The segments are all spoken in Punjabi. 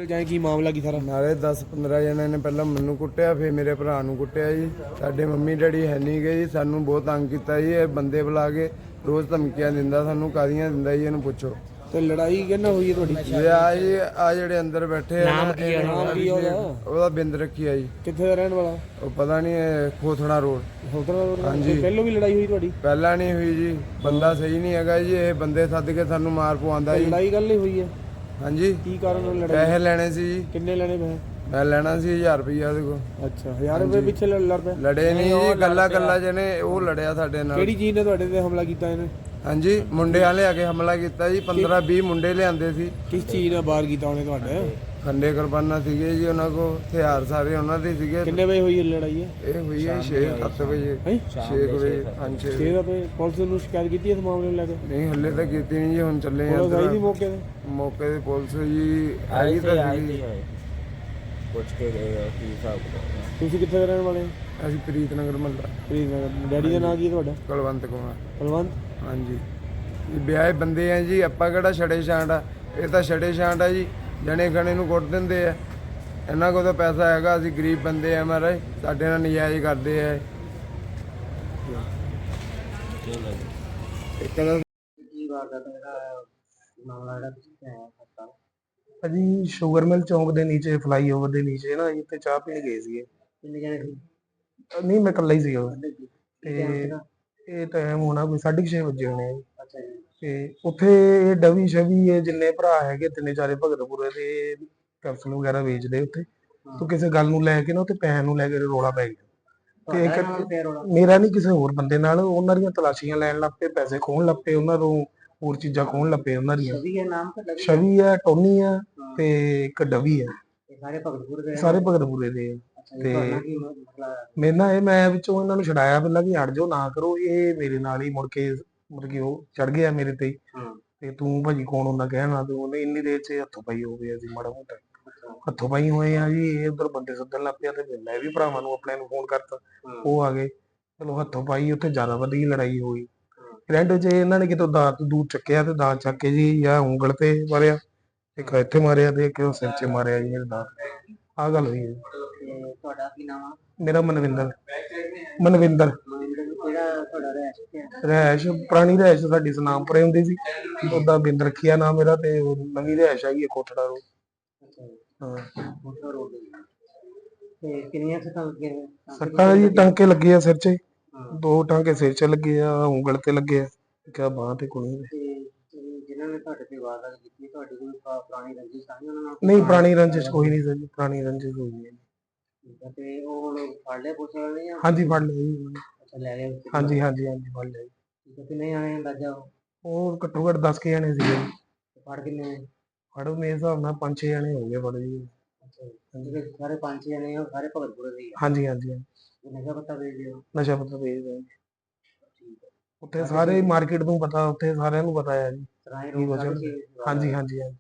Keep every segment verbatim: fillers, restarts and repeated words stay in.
ਜਾਏ ਕੀ ਮਾਮਲਾ ਕੀ ਸਾਰਾ? ਨਾਲੇ ਦਸ ਪੰਦਰਾਂ ਜਣਿਆਂ ਨੇ ਪਹਿਲਾਂ ਮੈਨੂੰ ਕੁੱਟਿਆ, ਫਿਰ ਮੇਰੇ ਭਰਾ ਨੂੰ ਕੁੱਟਿਆ ਜੀ। ਸਾਡੇ ਮੰਮੀ ਡੈਡੀ ਹੈ ਨਹੀਂ ਗਏ ਜੀ, ਸਾਨੂੰ ਬਹੁਤ ਤੰਗ ਕੀਤਾ ਜੀ। ਇਹ ਬੰਦੇ ਬੁਲਾ ਕੇ ਰੋਜ਼ ਧਮਕੀਆਂ ਦਿੰਦਾ, ਸਾਨੂੰ ਕਾਹਦੀਆਂ ਦਿੰਦਾ ਜੀ, ਇਹਨੂੰ ਪੁੱਛੋ। ਤੇ ਲੜਾਈ ਕਿਹਨਾਂ ਹੋਈ ਹੈ ਤੁਹਾਡੀ? ਇਹ ਆ ਜੀ ਆ ਜਿਹੜੇ ਅੰਦਰ ਬੈਠੇ ਆ ਨਾਮ ਕੀ ਹੈ? ਨਾਮ ਕੀ ਹੈ ਉਹਦਾ? ਉਹਦਾ ਬਿੰਦ ਰੱਖੀ ਆ ਜੀ। ਕਿੱਥੇ ਦਾ ਰਹਿਣ ਵਾਲਾ? ਉਹ ਪਤਾ ਨਹੀਂ, ਖੋਥੜਾ ਰੋਡ। ਖੋਥੜਾ ਰੋਡ? ਹਾਂਜੀ। ਪਹਿਲੋਂ ਵੀ ਲੜਾਈ ਹੋਈ ਤੁਹਾਡੀ? ਪਹਿਲਾਂ ਨਹੀਂ ਹੋਈ ਜੀ, ਬੰਦਾ ਸਹੀ ਨਹੀਂ ਹੈਗਾ ਜੀ। ਇਹ ਬੰਦੇ ਸੱਦ ਕੇ ਸਾਨੂੰ ਮਾਰ ਪਵਾਉਂਦਾ ਜੀ। ਲੜਾਈ ਗੱਲ ਨਹੀਂ ਹੋਈ ਹੈ? ਹਾਂਜੀ। ਕੀ ਕਾਰਨ ਨਾਲ ਲੜਾਈ? ਪੈਸੇ ਲੈਣੇ ਸੀ ਜੀ। ਕਿੰਨੇ ਲੈਣੇ ਪੈਸੇ? ਮੈਂ ਲੈਣਾ ਸੀ ਹਜ਼ਾਰ ਰੁਪਈਆ ਉਹਦੇ ਕੋਲ। ਅੱਛਾ, ਹਜ਼ਾਰ ਰੁਪਏ ਪਿੱਛੇ ਲੜ ਪਏ? ਲੜੇ ਨਹੀਂ ਜੀ, ਗੱਲਾਂ ਗੱਲਾਂ ਜਿਹਨੇ ਉਹ ਲੜਿਆ ਸਾਡੇ ਨਾਲ। ਕਿਹੜੀ ਚੀਜ਼ ਨੇ ਤੁਹਾਡੇ ਤੇ ਹਮਲਾ ਕੀਤਾ ਇਹਨੇ? ਹਾਂਜੀ, ਮੁੰਡੇ ਵਾਲੇ ਆ ਕੇ ਹਮਲਾ ਕੀਤਾ ਜੀ। ਪੰਦਰਾਂ ਵੀਹ ਮੁੰਡੇ ਲਿਆਂਦੇ ਸੀ। ਕਿਸ ਚੀਜ਼ ਨਾਲ ਬਾਹਰ ਕੀਤਾ ਉਹਨੇ ਤੁਹਾਡੇ? ਖੰਡੇ ਕੁਰਬਾਨਾ ਸੀਗੇ ਜੀ ਉਹਨਾਂ ਕੋਲ, ਹਥਿਆਰ ਸਾਰੇ ਉਹਨਾਂ ਦੇ ਸੀਗੇ। ਕਿੰਨੇ ਵਜੇ ਹੋਈ ਇਹ ਲੜਾਈ ਹੈ? ਇਹ ਹੋਈ ਹੈ ਛੇ ਸੱਤ ਵਜੇ। ਛੇ ਵਜੇ। ਹਾਂਜੀ ਛੇ ਛੇ ਵਜੇ। ਪੁਲਿਸ ਨੂੰ ਸ਼ਿਕਾਇਤ ਕੀਤੀ ਇਸ ਮਾਮਲੇ ਨੂੰ ਲੈ ਕੇ? ਨਹੀਂ, ਹੱਲੇ ਤਾਂ ਕੀਤੀ ਨਹੀਂ ਜੀ, ਹੁਣ ਚੱਲੇ ਆ। ਪੁਲਿਸ ਆਈ ਸੀ ਮੌਕੇ ਤੇ? ਮੌਕੇ ਤੇ ਪੁਲਿਸ ਜੀ ਆਈ ਤਾਂ ਸੀਗੀ। ਪੁੱਛ ਕੇ ਗਏ ਕੀ ਹਿਸਾਬ ਕਿਤਾਬ। ਤੁਸੀਂ ਕਿੱਥੇ ਦੇ ਰਹਿਣ ਵਾਲੇ? ਅਸੀਂ ਪ੍ਰੀਤ ਨਗਰ ਮੱਲਾ। ਪ੍ਰੀਤ ਨਗਰ। ਡੈਡੀ ਦਾ ਨਾਂ ਕੀ ਹੈ ਤੁਹਾਡਾ? ਕੁਲਵੰਤ ਕੁਮਾਰ। ਕੁਲਵੰਤ? ਹਾਂਜੀ। ਇਹ ਵਿਆਹੇ ਬੰਦੇ ਆ ਜੀ, ਆਪਾਂ ਕਿਹੜਾ ਛੜੇ ਛਾਂਟ ਆ? ਇਹ ਤਾਂ ਛੜੇ ਛਾਂਟ ਆ ਜੀ, ਜਣੇ ਖਣੇ ਨੂੰ ਕੁੱਟ ਦਿੰਦੇ ਆ। ਇਹਨਾਂ ਕੋਲ ਤਾਂ ਪੈਸਾ ਹੈਗਾ, ਅਸੀਂ ਗਰੀਬ ਬੰਦੇ ਆ ਮਹਾਰਾਜ, ਸਾਡੇ ਨਾਲ ਨਜਾਇਜ਼ ਕਰਦੇ ਆ। ਭਾਜੀ ਸ਼ੂਗਰ ਮਿਲ ਚੌਂਕ ਦੇ ਨੀਚੇ, ਫਲਾਈਓਵਰ ਦੇ ਨੀਚੇ ਨਾ, ਇੱਥੇ ਚਾਹ ਪੀਣ ਗਏ ਸੀਗੇ। ਨਹੀਂ, ਮੈਂ ਇਕੱਲਾ ਹੀ ਸੀਗਾ। ਤੇ ਇਹ ਟਾਈਮ ਹੋਣਾ ਕੋਈ ਸਾਢੇ ਛੇ ਵਜੇ ਹੋਣੇ ਆ ਜੀ। ਤੇ ਉੱਥੇ ਡਵੀ ਸ਼ਵੀ ਇਹ ਜਿੰਨੇ ਭਰਾ ਹੈਗੇ, ਤਿੰਨੇ ਚਾਰੇ ਭਗਤਪੁਰੇ ਦੇ ਕੈਪਸੂਲ ਵਗੈਰਾ ਵੇਚਦੇ ਉੱਥੇ। ਤੂੰ ਕਿਸੇ ਗੱਲ ਨੂੰ ਲੈ ਕੇ ਨਾ ਉੱਥੇ ਪੈਸੇ ਨੂੰ ਲੈ ਕੇ ਰੌਲਾ ਪੈ ਗਿਆ। ਤੇ ਇੱਕ ਮੇਰਾ ਨਹੀਂ, ਕਿਸੇ ਹੋਰ ਬੰਦੇ ਨਾਲ। ਉਹਨਾਂ ਦੀਆਂ ਤਲਾਸ਼ੀਆਂ ਲੈਣ ਲੱਗ ਪਏ, ਪੈਸੇ ਖੋਹਣ ਲੱਗ ਪਏ, ਉਹਨਾਂ ਨੂੰ ਹੋਰ ਚੀਜ਼ਾਂ ਖੋਹਣ ਲੱਗ ਪਏ ਉਹਨਾਂ ਦੀਆਂ। ਛਵੀ ਆ, ਟੋਨੀ ਆ, ਤੇ ਇੱਕ ਡਵੀ ਆ। ਸਾਰੇ ਭਗਤਪੁਰੇ ਦੇ। ਤੇ ਮੇਰੇ ਨਾਲ ਇਹ, ਮੈਂ ਵਿੱਚੋਂ ਇਹਨਾਂ ਨੂੰ ਛਡਾਇਆ ਪਹਿਲਾਂ ਕਿ ਹਟ ਜਾਓ, ਨਾ ਕਰੋ। ਇਹ ਮੇਰੇ ਨਾਲ ਹੀ ਮੁੜ ਕੇ ਮਤਲਬ ਕਿ ਉਹ ਚੜ ਗਿਆ ਮੇਰੇ ਤੇ। ਤੇ ਤੂੰ ਭਾਜੀ ਕੌਣ ਹੁੰਦਾ ਕਹਿਣਾ? ਤੇ ਉਹਨੇ ਇੰਨੀ ਦੇਰ ਚ ਹੱਥੋਂ ਪਾਈ ਹੋ ਗਿਆ ਸੀ, ਮਾੜਾ ਮੋਟਾ ਹੱਥੋਂ ਪਾਈ ਹੋਏ ਆ ਜੀ। ਇਹ ਉਧਰ ਬੰਦੇ ਸੱਦਣ ਲੱਗ ਪਿਆ, ਤੇ ਮੈਂ ਵੀ ਭਰਾਵਾਂ ਨੂੰ ਆਪਣੇ ਨੂੰ ਫੋਨ ਕਰਤਾ, ਉਹ ਆ ਗਏ। ਚਲੋ ਹੱਥੋਂ ਪਾਈ, ਉੱਥੇ ਜ਼ਿਆਦਾ ਵਧੀ ਲੜਾਈ ਹੋਈ। ਰੈਂਟ ਚ ਇਹਨਾਂ ਨੇ ਕਿਤੋਂ ਦਾਤ ਦੂਰ ਚੱਕਿਆ, ਤੇ ਦਾਤ ਚੱਕ ਕੇ ਜੀ ਜਾਂ ਉਂਗਲ ਤੇ ਮਾਰਿਆ, ਇੱਕ ਇੱਥੇ ਮਾਰਿਆ, ਤੇ ਇੱਕ ਸਿਰ ਚ ਮਾਰਿਆ ਜੀ ਮੇਰੇ ਦਾਤ। ਆਹ ਗੱਲ ਹੋਈ ਹੈ। ਤੁਹਾਡਾ ਕੀ ਨਾਮ ਆ? ਮੇਰਾ ਮਨਵਿੰਦਰ। ਮਨਵਿੰਦਰ। ਰਹਿਸ਼ ਪੁਰਾਣੀ ਰਹਿਸ਼ ਸਾਡੀ ਸਨਾਮਪੁਰੇ ਹੁੰਦੀ ਸੀ, ਉਹਦਾ ਬਿੰਦ ਰੱਖਿਆ ਨਾਮ ਮੇਰਾ। ਤੇ ਨਵੀਂ ਰਹਿਸ਼ ਹੈਗੀ ਕੋਟੜਾ ਰੋਡ। ਕਿੰਨੀਆਂ ਸੱਟਾਂ ਲੱਗੀਆਂ? ਸੱਟਾਂ ਜੀ ਟਾਂਕੇ ਲੱਗੇ ਆ ਸਿਰ 'ਚ, ਦੋ ਟਾਂਕੇ ਸਿਰ 'ਚ ਲੱਗੇ ਆ, ਉਂਗਲ ਤੇ ਲੱਗੇ ਆ, ਕਿਆ ਬਾਂਹ ਤੇ ਕੋਣੀ ਤੇ। ਜਿਨ੍ਹਾਂ ਨੇ ਤੁਹਾਡੇ ਤੇ ਵਾਰਦਾਤ ਕੀਤੀ, ਤੁਹਾਡੀ ਕੋਈ ਪੁਰਾਣੀ ਰੰਜਿਸ਼ ਤਾਂ ਨਹੀਂ ਉਹਨਾਂ ਨਾਲ? ਨਹੀਂ, ਪੁਰਾਣੀ ਰੰਜਿਸ਼ ਕੋਈ ਨਹੀਂ ਸਰ ਜੀ, ਪੁਰਾਣੀ ਰੰਜਿਸ਼ ਹੋਈ ਨਹੀਂ। ਤੇ ਉਹ ਹੁਣ ਫੜ ਲਿਆ ਪੁਲਿਸ ਵਾਲੇ ਨੇ? ਹਾਂਜੀ, ਫੜ ਲਿਆ ਜੀ। ਅੱਛਾ, ਲੈ ਗਏ? ਹਾਂਜੀ ਹਾਂਜੀ ਹਾਂਜੀ, ਫੜ ਲਿਆ ਜੀ। ਕਿੰਨੇ ਆਣੇ ਅੰਦਾਜ਼ਾ? ਉਹ ਘੱਟੋ ਘੱਟ ਦਸ ਕੇ ਜਾਣੇ ਸੀਗੇ। ਫੜ ਕਿੰਨੇ? ਫੜ ਮੇਰੇ ਹਿਸਾਬ ਨਾਲ ਪੰਜ ਛੇ ਜਾਣੇ ਹੋ ਗਏ ਫੜ ਜੀ। ਜਿਹੜੇ ਸਾਰੇ ਪੰਜ ਛੇ ਜਣੇ ਆ, ਸਾਰੇ ਭਗਤਪੁਰੇ ਦੇ ਹੀ ਆ? ਹਾਂਜੀ ਹਾਂਜੀ ਹਾਂਜੀ। ਨਸ਼ਾ ਪੱਤਾ ਵੇਚਦੇ ਹੋ? ਨਸ਼ਾ ਪੱਤਾ ਵੇਚਦੇ ਜੀ। ਉੱਥੇ ਸਾਰੇ ਮਾਰਕੀਟ ਨੂੰ ਪਤਾ, ਉੱਥੇ ਸਾਰਿਆਂ ਨੂੰ ਪਤਾ ਹੈ ਜੀ। ਹਾਂਜੀ ਹਾਂਜੀ ਹਾਂਜੀ।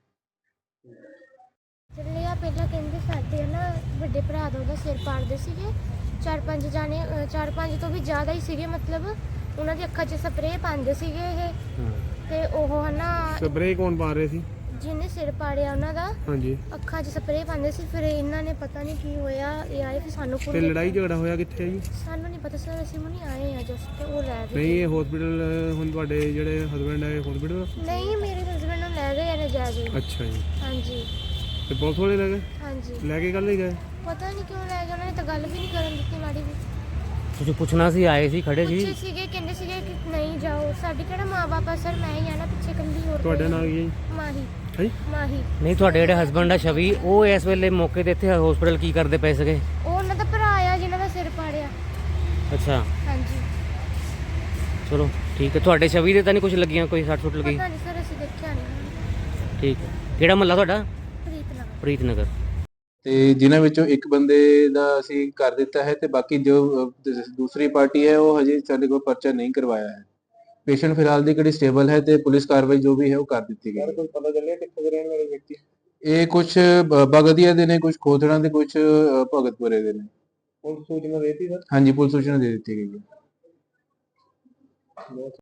ਚੱਲਿਆ ਪਹਿਲਾਂ ਕਹਿੰਦੇ ਸਾਡੇ ਨਾ ਵੱਡੇ ਭਰਾ ਦਾ ਉਹਦਾ ਸਿਰ ਪਾੜਦੇ ਸੀਗੇ, ਚਾਰ ਪੰਜ ਜਾਣੇ, ਚਾਰ ਪੰਜ ਤੋਂ ਵੀ ਜ਼ਿਆਦਾ ਹੀ ਸੀਗੇ। ਮਤਲਬ ਉਹਨਾਂ ਦੀ ਅੱਖਾਂ 'ਚ ਸਪਰੇਅ ਪਾਉਂਦੇ ਸੀਗੇ ਇਹ। ਤੇ ਉਹ ਹਨਾ, ਸਪਰੇਅ ਕੌਣ ਪਾ ਰਹੇ ਸੀ? ਜਿਹਨੇ ਸਿਰ ਪਾੜਿਆ ਉਹਨਾਂ ਦਾ। ਹਾਂਜੀ। ਅੱਖਾਂ 'ਚ ਸਪਰੇਅ ਪਾਉਂਦੇ ਸੀ। ਫਿਰ ਇਹਨਾਂ ਨੇ ਪਤਾ ਨਹੀਂ ਕੀ ਹੋਇਆ, ਇਹ ਆਏ ਫਿਰ ਸਾਨੂੰ। ਤੇ ਲੜਾਈ ਝਗੜਾ ਹੋਇਆ ਕਿੱਥੇ ਆ ਜੀ? ਸਾਨੂੰ ਨਹੀਂ ਪਤਾ ਸਰ, ਅਸੀਂ ਹੁਣੀ ਆਏ ਆ ਜਸਟ, ਤੇ ਉਹ ਲੈ ਗਏ। ਨਹੀਂ, ਇਹ ਹਸਪੀਟਲ ਹੁਣ ਤੁਹਾਡੇ ਜਿਹੜੇ ਹਸਬੈਂਡ ਹੈ ਹਸਪੀਟਲ? ਨਹੀਂ, ਮੇਰੇ ਹਸਬੈਂਡ ਨੂੰ ਲੈ ਗਏ ਨੇ ਜਾ ਕੇ। ਅੱਛਾ ਜੀ। ਹਾਂਜੀ। ਤੇ ਪੁਲਿਸ ਵਾਲੇ ਲੈ ਗਏ? ਹਾਂਜੀ। ਲੈ ਕੇ ਕੱਲ ਹੀ ਗਏ? ਪਤਾ ਨਹੀਂ ਕਿਉਂ ਲੈ ਗਏ, ਉਹਨਾਂ ਨੇ ਤਾਂ ਗੱਲ ਵੀ ਨਹੀਂ ਕਰਨ ਦਿੱਤੀ ਮਾੜੀ ਵੀ। ਤੁਸੀਂ ਪੁੱਛਣਾ ਸੀ, ਆਏ ਸੀ, ਖੜੇ ਸੀ? ਪੁੱਛੇ ਸੀਗੇ, ਕਹਿੰਦੇ ਸੀਗੇ ਕਿ ਨਹੀਂ ਜਾਓ, ਸਾਡੀ ਕਿਹੜਾ ਮਾਂ ਬਾਪ ਆ ਸਰ, ਮੈਂ ਹੀ ਆ ਨਾ ਪਿੱਛੇ ਕੰਦੀ। ਹੋਰ ਤੁਹਾਡਾ ਨਾਮ ਕੀ ਹੈ ਜੀ? ਮਾਹੀ। ਹੈ ਮਾਹੀ। ਨਹੀਂ, ਤੁਹਾਡੇ ਜਿਹੜੇ ਹਸਬੰਡ ਆ ਛਵੀ, ਉਹ ਇਸ ਵੇਲੇ ਮੌਕੇ ਤੇ ਇੱਥੇ ਹਸਪੀਟਲ ਕੀ ਕਰਦੇ ਪਏ ਸੀਗੇ? ਉਹ ਉਹਨਾਂ ਦਾ ਭਰਾ ਆ ਜਿਹਨਾਂ ਦਾ ਸਿਰ ਪਾੜਿਆ। ਅੱਛਾ। ਹਾਂਜੀ। ਚਲੋ ਠੀਕ ਹੈ। ਤੁਹਾਡੇ ਛਵੀ ਦੇ ਤਾਂ ਨਹੀਂ ਕੁਝ ਲੱਗੀਆਂ, ਕੋਈ ਸੱਟ ਸੁੱਟ ਲੱਗੀ? ਪਤਾ ਨਹੀਂ ਸਰ, ਅਸੀਂ ਦੇਖਿਆ ਨਹੀਂ। ਠੀਕ ਹੈ। ਕਿਹੜਾ ਮਹੱਲਾ ਤੁਹਾਡਾ? ਪ੍ਰੀਤ ਨਗਰ। ਪ੍ਰੀਤ ਨਗਰ। ਤੇ ਜਿਨ੍ਹਾਂ ਵਿੱਚੋਂ ਇੱਕ ਬੰਦੇ ਦਾ ਅਸੀਂ ਕਰ ਦਿੱਤਾ ਹੈ, ਤੇ ਬਾਕੀ ਜੋ ਦੂਸਰੀ ਪਾਰਟੀ ਹੈ ਉਹ ਹਜੇ ਸਾਡੇ ਕੋਲ ਪਰਚਾ ਨਹੀਂ ਕਰਵਾਇਆ ਹੈ। ਪੇਸ਼ੈਂਟ ਫਿਲਹਾਲ ਦੀ ਕਿਹੜੀ ਸਟੇਬਲ ਹੈ, ਤੇ ਪੁਲਿਸ ਕਾਰਵਾਈ ਜੋ ਵੀ ਹੈ ਉਹ ਕਰ ਦਿੱਤੀ ਗਈ ਹੈ। ਕੋਈ ਪਤਾ ਚੱਲਿਆ ਕਿੱਥੇ ਦੇ ਰਹਿਣ ਵਾਲੇ ਵਿਅਕਤੀ? ਇਹ ਕੁਝ ਬਗਦੀਆ ਦੇ ਨੇ, ਕੁਝ ਖੋਥੜਾਂ ਦੇ, ਕੁਝ ਭਗਤਪੁਰੇ ਦੇ ਨੇ। ਪੁਲਿਸ ਸੂਚਨਾ ਦੇਤੀ ਸਰ? ਹਾਂਜੀ, ਪੁਲਿਸ ਸੂਚਨਾ ਦੇ ਦਿੱਤੀ ਗਈ ਹੈ।